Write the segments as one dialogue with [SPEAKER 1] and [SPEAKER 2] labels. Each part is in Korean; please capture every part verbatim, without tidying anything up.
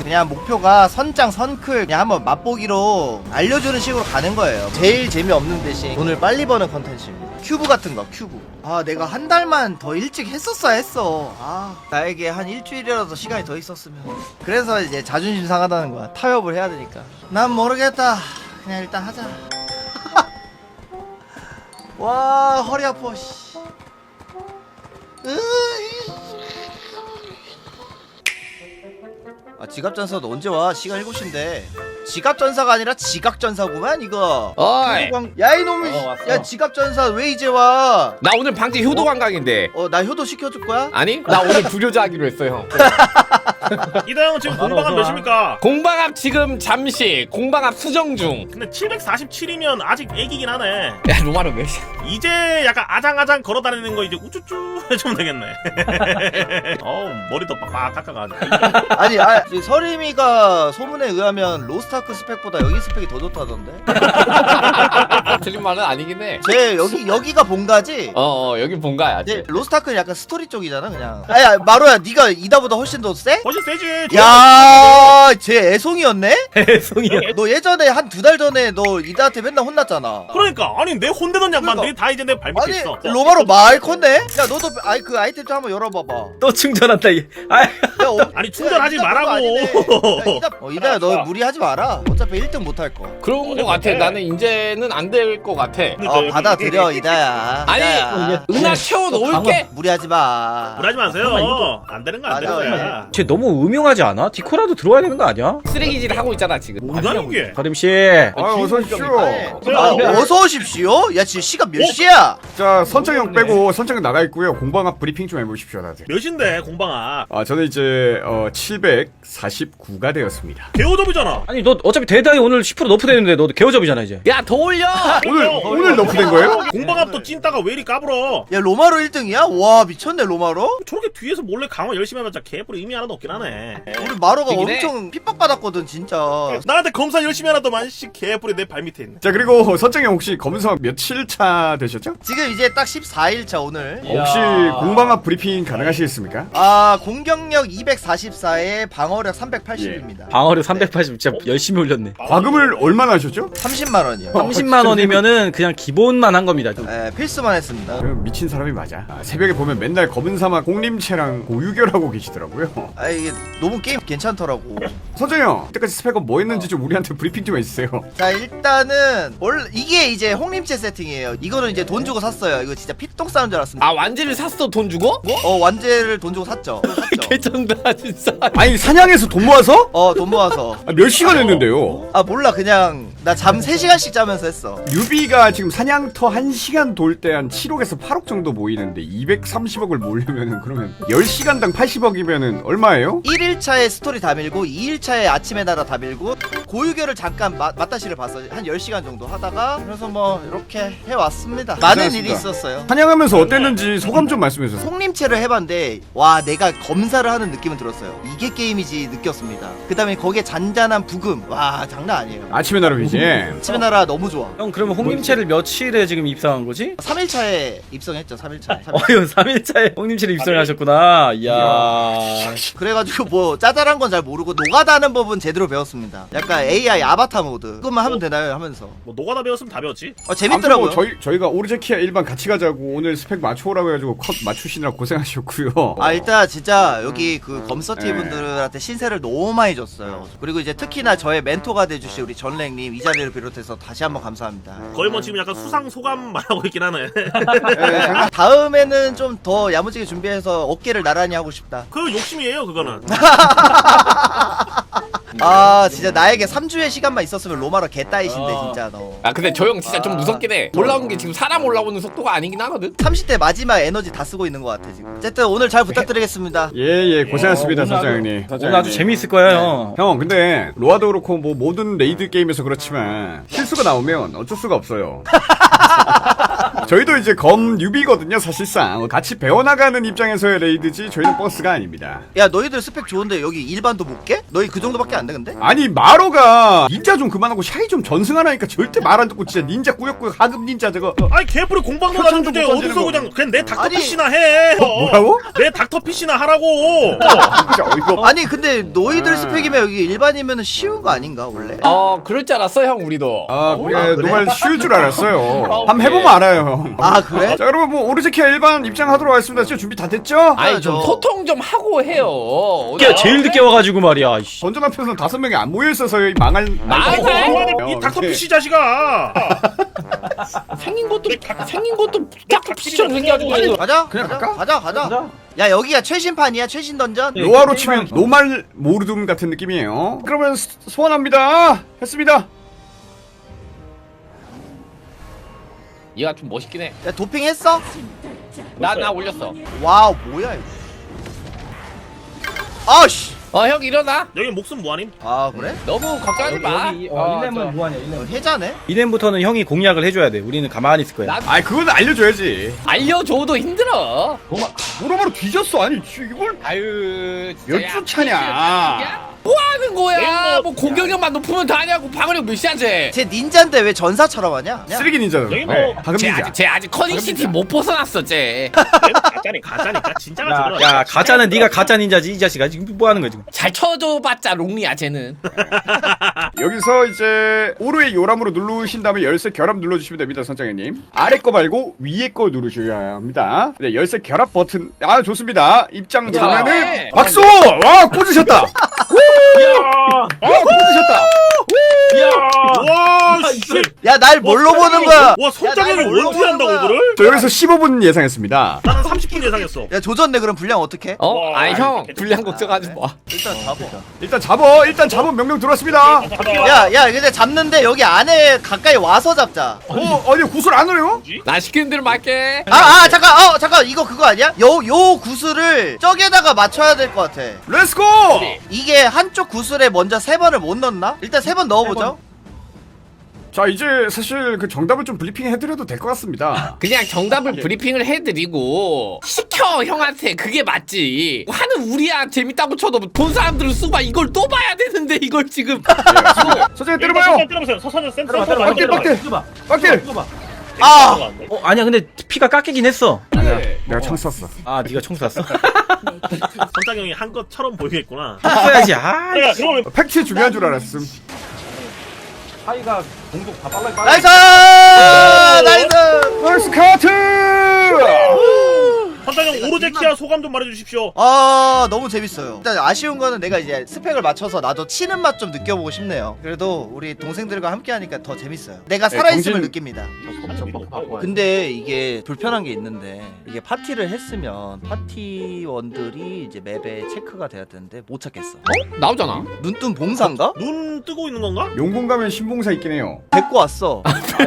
[SPEAKER 1] 그냥 목표가 선장 선클 그냥 한번 맛보기로 알려주는 식으로 가는 거예요. 제일 재미없는 대신 돈을 빨리 버는 컨텐츠입니다. 큐브 같은 거 큐브. 아 내가 한 달만 더 일찍 했었어야 했어. 아 나에게 한 일주일이라도 시간이 더 있었으면. 그래서 이제 자존심 상하다는 거야. 타협을 해야 되니까. 난 모르겠다. 그냥 일단 하자. 와 허리 아파 씨. 아 지갑전사도 언제 와? 시간 일곱 시인데. 지갑전사가 아니라 지각전사구만 이거.
[SPEAKER 2] 어이
[SPEAKER 1] 야 이놈이.
[SPEAKER 3] 어, 왔어.
[SPEAKER 1] 야 지갑전사 왜 이제 와?
[SPEAKER 2] 나 오늘 방지 효도 관광인데.
[SPEAKER 1] 어 나 효도 시켜줄 거야?
[SPEAKER 2] 아니 나 오늘 불효자 하기로 했어 형.
[SPEAKER 4] 이다 형은 지금 공방압 몇입니까?
[SPEAKER 2] 공방압 지금 잠시 공방압 수정 중.
[SPEAKER 4] 근데 칠백사십칠이면 아직 애기긴 하네.
[SPEAKER 2] 야 로마로 몇?
[SPEAKER 4] 이제 약간 아장아장 걸어다니는 거 이제 우쭈쭈 해주면 되겠네. 어우 머리도 빡빡 깎아가지고.
[SPEAKER 1] 아니 아 서림이가 소문에 의하면 로스트아크 스펙보다 여기 스펙이 더 좋다던데.
[SPEAKER 2] 틀린 말은 아니긴 해.
[SPEAKER 1] 쟤 여기 여기가 본가지?
[SPEAKER 2] 어, 어 여기 본가야.
[SPEAKER 1] 쟤 로스트아크는 약간 스토리 쪽이잖아 그냥. 아야 마로야 네가 이다보다 훨씬 더 세?
[SPEAKER 4] 훨씬 세지.
[SPEAKER 1] 야, 쟤 애송이었네?
[SPEAKER 3] 애송이야.
[SPEAKER 1] 너 예전에 한 두 달 전에 너 이다한테 맨날 혼났잖아.
[SPEAKER 4] 그러니까 아니 내 혼내던 양반들이
[SPEAKER 1] 그러니까.
[SPEAKER 4] 다 이제 내 발밑에
[SPEAKER 1] 아니
[SPEAKER 4] 있어.
[SPEAKER 1] 로마로 말 컸네? 야 너도 아이 그 아이템 좀 한번 열어봐봐.
[SPEAKER 3] 또 충전한다 이. 아,
[SPEAKER 1] 야, 어,
[SPEAKER 4] 아니, 충전하지
[SPEAKER 1] 야, 이다
[SPEAKER 4] 말라고.
[SPEAKER 1] 그거 아니네. 야, 이다, 어, 이다야 너 무리하지 마라. 어차피 일 등 못할 거.
[SPEAKER 2] 그런 거 같아. 나는 이제는 안 될 거 같아.
[SPEAKER 1] 어 받아들여 이다야.
[SPEAKER 2] 아니
[SPEAKER 1] 이다야.
[SPEAKER 2] 은하 채워 놓을게.
[SPEAKER 1] 무리하지 마.
[SPEAKER 4] 불하지 마세요.
[SPEAKER 3] 잠깐만, 이거.
[SPEAKER 4] 안 되는 거 안
[SPEAKER 1] 맞아,
[SPEAKER 4] 되는 거야.
[SPEAKER 3] 쟤 너무 음흉하지 않아? 디코라도 들어와야 되는 거 아니야?
[SPEAKER 2] 쓰레기질 하고 있잖아 지금.
[SPEAKER 4] 뭐가 이게?
[SPEAKER 3] 서림 씨.
[SPEAKER 5] 아 어서 오십시오.
[SPEAKER 1] 아, 어서 오십시오. 야 지금 시간 몇 시야?
[SPEAKER 5] 자 선정형 빼고 선정형 나가 있고요. 공방압 브리핑 좀 해보십시오 다들.
[SPEAKER 4] 몇인데 공방아?
[SPEAKER 5] 아 저는 이제 어 칠백사십구가 되었습니다.
[SPEAKER 4] 개호접이잖아.
[SPEAKER 3] 아니 너 어차피 대다이 오늘 십 퍼센트 너프 되는데 너 개호접이잖아 이제.
[SPEAKER 2] 야 더 올려.
[SPEAKER 5] 오늘 오늘 너프된 거예요?
[SPEAKER 4] 공방압도 찐따가 왜 이리 까불어?
[SPEAKER 1] 야 로마로 일 등이야? 와 미쳤네 로마로.
[SPEAKER 4] 저렇게 뒤에서 몰래 강화 열심히 하면 진짜 개뿔이 의미 하나도 없긴 하네.
[SPEAKER 1] 우리 마로가
[SPEAKER 2] 되긴 해.
[SPEAKER 1] 엄청 핍박받았거든 진짜.
[SPEAKER 4] 나한테 검사 열심히 하나더만 씨 개뿔이 내 발밑에 있네.
[SPEAKER 5] 자 그리고 선정형 혹시 검사 며칠 차 되셨죠?
[SPEAKER 1] 지금 이제 딱 십사 일 차 오늘.
[SPEAKER 5] 혹시 공방압 브리핑 가능하시겠습니까?
[SPEAKER 1] 아 공격력 이백사십사에 방어력 삼백팔십입니다.
[SPEAKER 3] 방어력 삼백팔십 진짜 열심히 올렸네.
[SPEAKER 5] 과금을 얼마나 하셨죠?
[SPEAKER 1] 삼십만 원이요.
[SPEAKER 3] 삼십만 원이면은 그냥 기본만 한 겁니다.
[SPEAKER 1] 네, 필수만 했습니다.
[SPEAKER 5] 그 미친 사람이 맞아. 아, 새벽에 보면 맨날 검은 사막 공림체랑 고유결하고 계시더라고요.
[SPEAKER 1] 아 이게 너무 게임 괜찮더라고.
[SPEAKER 5] 선정형 이때까지 스펙업 뭐 했는지 좀 우리한테 브리핑 좀 해주세요.
[SPEAKER 1] 자 일단은 원래 이게 이제 홍림체 세팅이에요. 이거는 이제 돈 주고 샀어요. 이거 진짜 피똥 싸는 줄 알았습니다.
[SPEAKER 2] 아 완지를 샀어 돈 주고?
[SPEAKER 1] 어 완제를 돈 주고 샀죠. 샀죠.
[SPEAKER 2] 개쩐다 진짜.
[SPEAKER 5] 아니 사냥해서 돈 모아서?
[SPEAKER 1] 어 돈 모아서.
[SPEAKER 5] 아, 몇 시간 했는데요?
[SPEAKER 1] 아 몰라 그냥 나 잠 세 시간씩 자면서 했어.
[SPEAKER 5] 뉴비가 지금 사냥터 한 시간 돌 때 한 칠억에서 팔억 정도 모이는데 이백삼십억을 모으려면은 그러면 열 시간당 팔십억이면은 얼마예요?
[SPEAKER 1] 일 일차에 스토리 다 밀고 이 일차에 아침에 나라 다 밀고 고유결을 잠깐 마, 맞다시를 봤어. 한 열 시간 정도 하다가 그래서 뭐 이렇게 해왔습니다. 많은
[SPEAKER 5] 고생하셨습니다.
[SPEAKER 1] 일이 있었어요.
[SPEAKER 5] 사냥하면서 어땠는지 소감 좀 말씀해주세요.
[SPEAKER 1] 송림체를 해봤는데 와 내가 검사를 하는 느낌은 들었어요. 이게 게임이지 느꼈습니다. 그 다음에 거기에 잔잔한 부금 와 장난 아니에요.
[SPEAKER 5] 아침의 나라이지.
[SPEAKER 1] 아침의 나라 너무 좋아.
[SPEAKER 3] 형 그러면 홍림체를 며칠에 지금 입성한 거지?
[SPEAKER 1] 삼 일차에 입성했죠. 삼 일차.
[SPEAKER 3] 어휴 삼 일차에 홍림체를 입성하셨구나. 이야.
[SPEAKER 1] 그래가지고 뭐 짜잘한 건 잘 모르고 노가다는 법은 제대로 배웠습니다. 약간 에이아이 아바타 모드 그것만 하면 되나요 하면서
[SPEAKER 4] 뭐 노가다 배웠으면 다 배웠지.
[SPEAKER 1] 어, 재밌더라고요.
[SPEAKER 5] 아무튼 뭐 저희 저희가 오르제키아 일반 같이 가자고 오늘 스펙 맞춰오라고 해가지고 컷 맞추시느라 고생하셨고요.
[SPEAKER 1] 아 일단 진짜 여기 그 검서티 분들한테 신세를 너무 많이 줬어요. 그리고 이제 특히나 저의 멘토가 돼주신 우리 전랭님 이 자리를 비롯해서 다시 한번 감사합니다.
[SPEAKER 4] 거의 뭐 지금 약간 수상 소감 말하고 있긴 하네.
[SPEAKER 1] 네, 다음에는 좀 더 야무지게 준비해서 어깨를 나란히 하고 싶다.
[SPEAKER 4] 그 욕심이에요 그거는.
[SPEAKER 1] 아 진짜 나에게 삼 주의 시간만 있었으면 로마로 개따이신데 진짜 너.
[SPEAKER 2] 아 근데 저 형 진짜 좀 무섭긴 해. 올라오는 게 지금 사람 올라오는 속도가 아니긴 하거든.
[SPEAKER 1] 삼십 대 마지막 에너지 다 쓰고 있는 것 같아 지금. 어쨌든 오늘 잘 부탁드리겠습니다.
[SPEAKER 5] 예예 고생하셨습니다
[SPEAKER 3] 어, 오늘
[SPEAKER 5] 사장님.
[SPEAKER 3] 오늘 아주 재미있을 거야 형.
[SPEAKER 5] 형 근데 로아도 그렇고 뭐 모든 레이드 게임에서 그렇지만 실수가 나오면 어쩔 수가 없어요. 저희도 이제 검 뉴비거든요 사실상. 같이 배워나가는 입장에서의 레이드지 저희는 버스가 아닙니다.
[SPEAKER 1] 야 너희들 스펙 좋은데 여기 일반도 못 깨? 너희 그 정도밖에 안 돼 근데?
[SPEAKER 5] 아니 마로가 닌자 좀 그만하고 샤이 좀 전승하라니까 절대 말 안 듣고 진짜 닌자 꾸역꾸역 하급 닌자 저거. 어,
[SPEAKER 4] 아니 개뿔이 공방 넣어가지고 주제
[SPEAKER 5] 못
[SPEAKER 4] 어디서
[SPEAKER 5] 던지는
[SPEAKER 4] 그냥
[SPEAKER 5] 거.
[SPEAKER 4] 그냥 내 닥터
[SPEAKER 1] 아니.
[SPEAKER 4] 피시나 해. 어.
[SPEAKER 5] 뭐라고?
[SPEAKER 4] 내 닥터 피시나 하라고.
[SPEAKER 5] 진짜 어이가 없.
[SPEAKER 1] 아니 근데 너희들
[SPEAKER 5] 아.
[SPEAKER 1] 스펙이면 여기 일반이면 쉬운 거 아닌가 원래?
[SPEAKER 2] 어 그럴 줄 알았어 형 우리도.
[SPEAKER 5] 아,
[SPEAKER 1] 아,
[SPEAKER 5] 그래,
[SPEAKER 1] 그래?
[SPEAKER 5] 노말 쉬울 줄 알았어요.
[SPEAKER 2] 아,
[SPEAKER 5] 한번
[SPEAKER 2] 그래.
[SPEAKER 5] 해보면 알아요, 형.
[SPEAKER 1] 아 그래?
[SPEAKER 5] 자, 여러분, 뭐, 오르제키아 일반 입장하도록 하겠습니다. 진짜 준비 다 됐죠?
[SPEAKER 2] 아니 좀
[SPEAKER 1] 저-
[SPEAKER 2] 소통 좀 하고 해요.
[SPEAKER 3] 야, 제일 늦게 와가지고 말이야. 이씨.
[SPEAKER 5] 전전 앞에서는 다섯 명이 안 모여있어서 이 망할.
[SPEAKER 2] 망할?
[SPEAKER 5] 어,
[SPEAKER 4] 이 닥터
[SPEAKER 5] 이렇게.
[SPEAKER 4] 피시 자식아.
[SPEAKER 2] 생긴 것도 생긴 것도 딱 피처럼 생겨가지고.
[SPEAKER 1] 가자.
[SPEAKER 5] 그냥
[SPEAKER 1] 가자.
[SPEAKER 5] 갈까?
[SPEAKER 1] 가자 가자. 야 여기가 최신판이야 최신 던전.
[SPEAKER 5] 로아로 치면 노말 모르둠 같은 느낌이에요. 그러면 소- 소환합니다. 했습니다.
[SPEAKER 2] 얘가 좀 멋있긴 해.
[SPEAKER 1] 야 도핑 했어?
[SPEAKER 2] 나 나 올렸어.
[SPEAKER 1] 와우 뭐야 이거. 아씨.
[SPEAKER 2] 어 형 일어나.
[SPEAKER 4] 여기 목숨 뭐하님?
[SPEAKER 1] 아 그래?
[SPEAKER 2] 너무 걱정하지 마. 어, 저-
[SPEAKER 3] 무한이야.
[SPEAKER 1] 어, 해자네?
[SPEAKER 3] 이년부터는 형이 공략을 해줘야 돼. 우리는 가만히 있을 거야.
[SPEAKER 2] 나
[SPEAKER 5] 아이, 그건 알려줘야지.
[SPEAKER 2] 알려줘도 힘들어.
[SPEAKER 5] 모로모로 뒤졌어. 아니, 이걸
[SPEAKER 2] 아유.
[SPEAKER 5] 몇 주 차냐.
[SPEAKER 2] 뭐 하는 거야? 뭐 공격력만 높으면 다냐고. 방어력 몇이야지?
[SPEAKER 1] 쟤 닌자인데 왜 전사처럼 하냐? 야,
[SPEAKER 5] 쓰레기 닌자.
[SPEAKER 4] 여기 뭐-
[SPEAKER 5] 네, 하급
[SPEAKER 2] 쟤
[SPEAKER 5] 닌자.
[SPEAKER 2] 아직 쟤 아직 커닝시티 못 벗어났어 쟤.
[SPEAKER 4] 가짜니 가짜니까 진짜가
[SPEAKER 3] 야,
[SPEAKER 4] 저거라.
[SPEAKER 3] 야, 가짜는 네가 가짜 닌자지 이 자식아. 지금 뭐 하는 거야 지금?
[SPEAKER 2] 잘 쳐줘봤자 롱리야 쟤는.
[SPEAKER 5] 여기서 이제 오르의 요람으로 누르신 다음에 열쇠 결합 눌러주시면 됩니다, 선장님. 아래 거 말고 위에 거 누르셔야 합니다. 네, 열쇠 결합 버튼. 아, 좋습니다. 입장 되면은
[SPEAKER 2] 네.
[SPEAKER 5] 박수! 와, 꽂으셨다. 와, 꽂으셨다.
[SPEAKER 4] 와 씨.
[SPEAKER 1] 야 날 뭘로 보는 거야?
[SPEAKER 4] 와 손장형이
[SPEAKER 1] 야, 날 뭘로
[SPEAKER 4] 원투 한다고
[SPEAKER 1] 보는 거야?
[SPEAKER 4] 이거를?
[SPEAKER 5] 저 여기서 십오 분 예상했습니다.
[SPEAKER 4] 나는 삼십 분 예상했어.
[SPEAKER 1] 야 조졌네 그럼 분량 어떡해?
[SPEAKER 2] 어?
[SPEAKER 4] 와,
[SPEAKER 2] 아니 형
[SPEAKER 4] 이렇게
[SPEAKER 2] 불량 걱정하지 마.
[SPEAKER 1] 일단 잡아.
[SPEAKER 5] 일단 잡어. 일단 잡은 명령 들어왔습니다.
[SPEAKER 1] 야, 야, 근데 잡는데 여기 안에 가까이 와서 잡자.
[SPEAKER 5] 어, 아니 구슬 안 오네요?
[SPEAKER 2] 나 시키는 대로 말게.
[SPEAKER 1] 아, 아, 잠깐, 어, 잠깐, 이거 그거 아니야? 요, 요 구슬을 저기에다가 맞춰야 될 것 같아.
[SPEAKER 5] 렛츠고!
[SPEAKER 1] 이게 한쪽 구슬에 먼저 세 번을 못 넣나? 일단 세 번 넣어보죠.
[SPEAKER 5] 자, 이제 사실 그 정답을 좀 브리핑 해드려도 될 것 같습니다.
[SPEAKER 2] 그냥 정답을 브리핑을 해드리고 시켜 형한테 그게 맞지. 하는 우리야 재밌다고 쳐도 본 사람들은 수바 이걸 또 봐야 되는데 이걸 지금.
[SPEAKER 5] 선생님 때려봐요.
[SPEAKER 4] 때려보세요. 서선은 센터.
[SPEAKER 5] 빡딜, 빡딜. 빡딜.
[SPEAKER 1] 아,
[SPEAKER 3] 어 아니야 근데 피가 깎이긴 했어.
[SPEAKER 5] 내가 창 쐈어.
[SPEAKER 3] 아 네가 총 쐈어?
[SPEAKER 4] 손장형이 한 것처럼 보이겠구나.
[SPEAKER 3] 쏴야지. 아.
[SPEAKER 4] 내가 그러면
[SPEAKER 5] 팩트 중요한 줄 알았음.
[SPEAKER 3] 하이가 공속 다 빨라
[SPEAKER 1] 나이스! 나이스!
[SPEAKER 5] 나이스 카트!
[SPEAKER 4] 손장형 오로제키아 소감 좀 말해주십시오.
[SPEAKER 1] 아, 너무 재밌어요. 일단 아쉬운 거는 내가 이제 스펙을 맞춰서 나도 치는 맛 좀 느껴보고 싶네요. 그래도 우리 동생들과 함께 하니까 더 재밌어요. 내가
[SPEAKER 5] 네,
[SPEAKER 1] 살아있음을
[SPEAKER 5] 정신-
[SPEAKER 1] 느낍니다. 근데 이게 불편한 게 있는데 이게 파티를 했으면 파티원들이 이제 맵에 체크가 돼야 되는데 못 찾겠어.
[SPEAKER 2] 나오잖아.
[SPEAKER 1] 눈뜬 봉사인가?
[SPEAKER 4] 눈 뜨고 있는 건가?
[SPEAKER 5] 용궁 가면 신봉사 있긴 해요.
[SPEAKER 1] 데리고 왔어.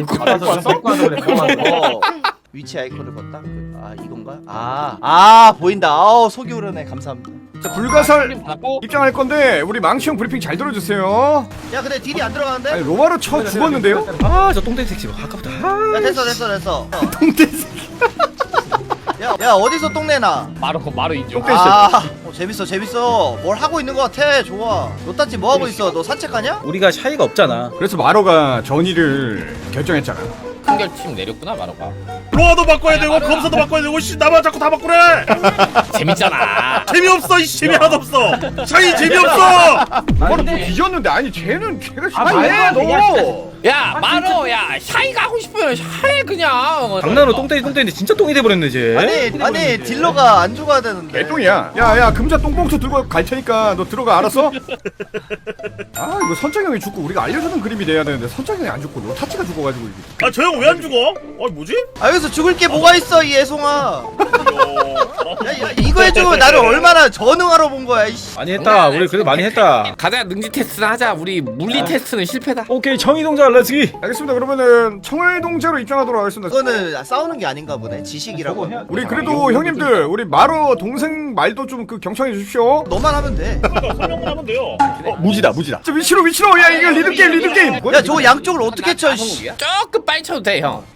[SPEAKER 3] 어.
[SPEAKER 1] 어. 위치 아이콘을 껐다? 그- 아 이건가? 아, 아 보인다. 아우 속이 오르네. 감사합니다.
[SPEAKER 5] 자, 불가설
[SPEAKER 2] 받고
[SPEAKER 5] 입장할 건데 우리 망치형 브리핑 잘 들어주세요.
[SPEAKER 1] 야 근데 딜이 안 들어가는데?
[SPEAKER 5] 아니 로마로 쳐 죽었는데요?
[SPEAKER 3] 아저 똥땡 섹시 아까부터. 아.
[SPEAKER 1] 야 됐어 됐어 됐어.
[SPEAKER 5] 똥돼지.
[SPEAKER 1] 야, 야 어디서 똥내나?
[SPEAKER 2] 바로 바로 인정.
[SPEAKER 5] 똥-
[SPEAKER 1] 아 어, 재밌어 재밌어. 뭘 하고 있는 것 같아. 좋아. 노따지 뭐 하고 있어? 너 산책하냐?
[SPEAKER 3] 우리가 샤이가 없잖아.
[SPEAKER 5] 그래서 마로가 전의를 결정했잖아.
[SPEAKER 2] 한결팀 내렸구나 마로가.
[SPEAKER 4] 로아도 바꿔야 되고 검사도 바꿔야 되고 씨 나만 자꾸 다 바꾸래.
[SPEAKER 2] 재밌잖아.
[SPEAKER 4] 재미없어 이 재미 하나도 없어. 샤이 재미없어.
[SPEAKER 5] 마로 뭐 뒤졌는데 아니 쟤는 걔가
[SPEAKER 3] 아,
[SPEAKER 5] 샤이해
[SPEAKER 3] 말도 안
[SPEAKER 5] 너.
[SPEAKER 2] 야 마로 야 샤이가 하고 싶으면 샤이 그냥.
[SPEAKER 3] 장난으로 똥땡이 똥땡인데 진짜 똥이 돼버렸네 쟤.
[SPEAKER 1] 아니 아니 딜러가 안 죽어야 되는데.
[SPEAKER 5] 개똥이야. 야야 금자 똥봉투 들고 갈 테니까 너 들어가 알았어? 아 이거 선장형이 죽고 우리가 알려주는 그림이 돼야 되는데 선장형이 안 죽고 너 타치가 죽어가지고 이게.
[SPEAKER 4] 아 저 형 왜 안 죽어? 아 뭐지?
[SPEAKER 1] 아 여기서 죽을 게 뭐가 있어 이 애송아. 야, 야 이거 해주면 나를 얼마나 전응하러 본 거야 이씨.
[SPEAKER 3] 많이 했다. 우리 그래도 많이 했다.
[SPEAKER 2] 가자 능지 테스트나 하자. 우리 물리 테스트는 실패다.
[SPEAKER 3] 오케이 청이동자 렛츠기.
[SPEAKER 5] 알겠습니다. 그러면은 청월동제로 입장하도록 하겠습니다.
[SPEAKER 1] 그거는 싸우는 게 아닌가 보네. 지식이라고.
[SPEAKER 5] 우리 그래도 형님들 우리 마로 동생 말도 좀 그 경청해 주십시오.
[SPEAKER 1] 너만 하면 돼.
[SPEAKER 4] 설명만 하면 돼요.
[SPEAKER 5] 어, 무지다 무지다. 저 위치로 위치로 야 이거 리듬 게임 리듬 게임.
[SPEAKER 1] 야 저 양쪽을 어떻게 쳐 씨.
[SPEAKER 2] 조금 빨리 쳐도 돼 형.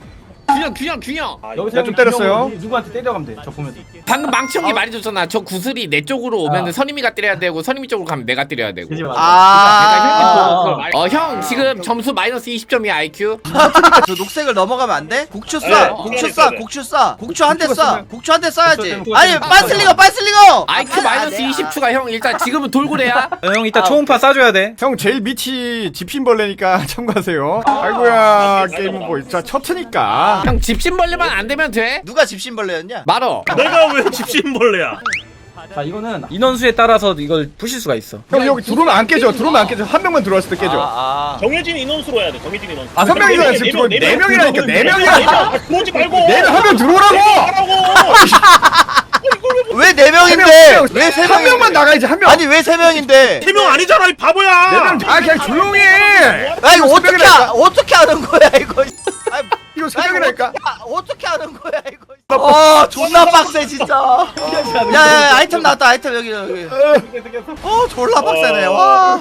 [SPEAKER 2] 균형 균형 균형.
[SPEAKER 3] 여기서
[SPEAKER 5] 야, 좀 때렸어요.
[SPEAKER 3] 누구한테 때려가면 돼. 저 보면서.
[SPEAKER 2] 방금 망치 형이 말해줬잖아. 저 구슬이 내 쪽으로 오면은
[SPEAKER 3] 아.
[SPEAKER 2] 선임이가 때려야 되고 선임이 쪽으로 가면 내가 때려야 되고.
[SPEAKER 3] 그지 맞아.
[SPEAKER 1] 아,
[SPEAKER 2] 어 형 지금 점수 마이너스 이십 점이야 아이큐.
[SPEAKER 1] 저 녹색을 넘어가면 안 돼? 곡추
[SPEAKER 4] 네,
[SPEAKER 1] 쏴, 곡추
[SPEAKER 4] 네,
[SPEAKER 1] 쏴,
[SPEAKER 4] 네.
[SPEAKER 1] 곡추 쏴, 곡추 한 대
[SPEAKER 5] 곡추가
[SPEAKER 1] 쏴,
[SPEAKER 5] 쓰면-
[SPEAKER 1] 곡추 한 대 쏴야지.
[SPEAKER 3] 곡추가
[SPEAKER 1] 아니,
[SPEAKER 3] 쓰면-
[SPEAKER 1] 빤슬리거, 빤슬리거.
[SPEAKER 2] 아이큐
[SPEAKER 1] 아,
[SPEAKER 2] 마이너스
[SPEAKER 1] 아,
[SPEAKER 2] 이십 추가 형 일단 지금은 돌고래야.
[SPEAKER 3] 어, 형 이따 초음파 쏴줘야 돼.
[SPEAKER 5] 형 제일 밑이 집신벌레니까 참고하세요. 아이고야 게임은 뭐 진짜 첫트니까.
[SPEAKER 2] 형 집신벌레만 안 되면 돼?
[SPEAKER 1] 누가 집신벌레였냐?
[SPEAKER 2] 말어.
[SPEAKER 4] 내가 왜 집신벌레야?
[SPEAKER 3] 자 이거는 인원수에 따라서 이걸 부실 수가 있어.
[SPEAKER 5] 형 여기 들어오면 안 깨져. 들어오면 안 깨져. 한 명만 들어왔을 때 깨져.
[SPEAKER 1] 아,
[SPEAKER 4] 정해진 인원수로 해야 돼. 정해진 인원수.
[SPEAKER 5] 아, 선 명이잖아, 지금 들어온 네 명이라니까, 네 명이라니까.
[SPEAKER 4] 들어오지 말고.
[SPEAKER 5] 내일 한 명 들어오라고.
[SPEAKER 4] 하라고.
[SPEAKER 1] 왜 네
[SPEAKER 5] 명,
[SPEAKER 1] 명인데?
[SPEAKER 5] 명.
[SPEAKER 1] 왜 세
[SPEAKER 5] 한
[SPEAKER 1] 명인데?
[SPEAKER 5] 명만 나가야지 한 명.
[SPEAKER 1] 아니 왜 세 명인데?
[SPEAKER 4] 세 명 아니잖아 이 바보야.
[SPEAKER 5] 네 명. 아 그냥 조용히 해.
[SPEAKER 1] 아 이거
[SPEAKER 5] 세
[SPEAKER 1] 어떻게
[SPEAKER 5] 명이라니까.
[SPEAKER 1] 아, 어떻게 하는 거야 이거? 아,
[SPEAKER 5] 이거 세
[SPEAKER 1] 아니,
[SPEAKER 5] 명이라니까.
[SPEAKER 1] 어떻게, 하- 어떻게 하는 거야 이거? 아 존나 빡세 진짜. 야야 아이템 나왔다 아이템 여기 여기. 어 졸라 빡세네 와.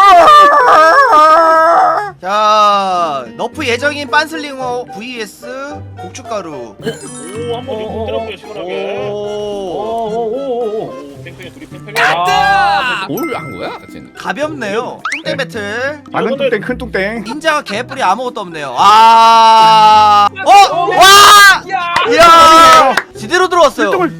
[SPEAKER 1] 자 너프 예정인 빤슬링어 vs 고춧가루.
[SPEAKER 4] 오 한번 좀 때려볼게요 시원하게.
[SPEAKER 1] 오.
[SPEAKER 3] 오오오오.
[SPEAKER 4] 오 팽팽해 둘이 팽팽해.
[SPEAKER 2] 아, 뭘한 거야? 쟤는?
[SPEAKER 1] 가볍네요. 뚱땡 배틀.
[SPEAKER 5] 작은 뚱땡 큰 뚱땡.
[SPEAKER 1] 닌자가 개뿔이 아무것도 없네요. 아. 어? 와! 이야! 지대로 들어왔어요.
[SPEAKER 5] 뚱을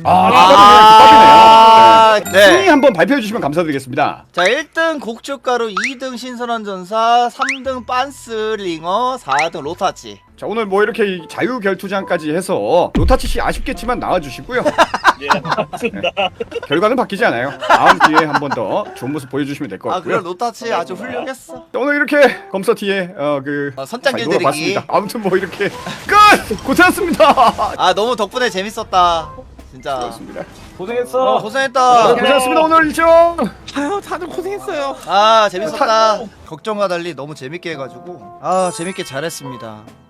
[SPEAKER 1] 아,
[SPEAKER 5] 아, 네. 순위
[SPEAKER 1] 네.
[SPEAKER 5] 한번 발표해 주시면 감사드리겠습니다.
[SPEAKER 1] 자, 일 등 곡주가루, 이 등 신선한 전사, 삼 등 빤스링어, 사 등 로타치.
[SPEAKER 5] 자 오늘 뭐 이렇게 이 자유결투장까지 해서 로타치 씨 아쉽겠지만 나와주시고요.
[SPEAKER 4] 예 맞습니다.
[SPEAKER 5] 결과는 바뀌지 않아요. 다음 기회에 한 번 더 좋은 모습 보여주시면 될 것
[SPEAKER 1] 아, 그래
[SPEAKER 5] 같고요.
[SPEAKER 1] 로타치 아주 훌륭했어.
[SPEAKER 5] 자, 오늘 이렇게 검서티의 어그
[SPEAKER 1] 어, 선짱길 들이기.
[SPEAKER 5] 아무튼 뭐 이렇게 끝 고생하셨습니다.
[SPEAKER 1] 아, 너무 덕분에 재밌었다. 진짜.
[SPEAKER 5] 고맙습니다.
[SPEAKER 3] 고생했어.
[SPEAKER 1] 어, 고생했다.
[SPEAKER 5] 고생하셨습니다. 오늘 일정.
[SPEAKER 2] 아유 다들 고생했어요.
[SPEAKER 1] 아, 재밌었다. 걱정과 달리 너무 재밌게 해가지고. 아, 재밌게 잘했습니다.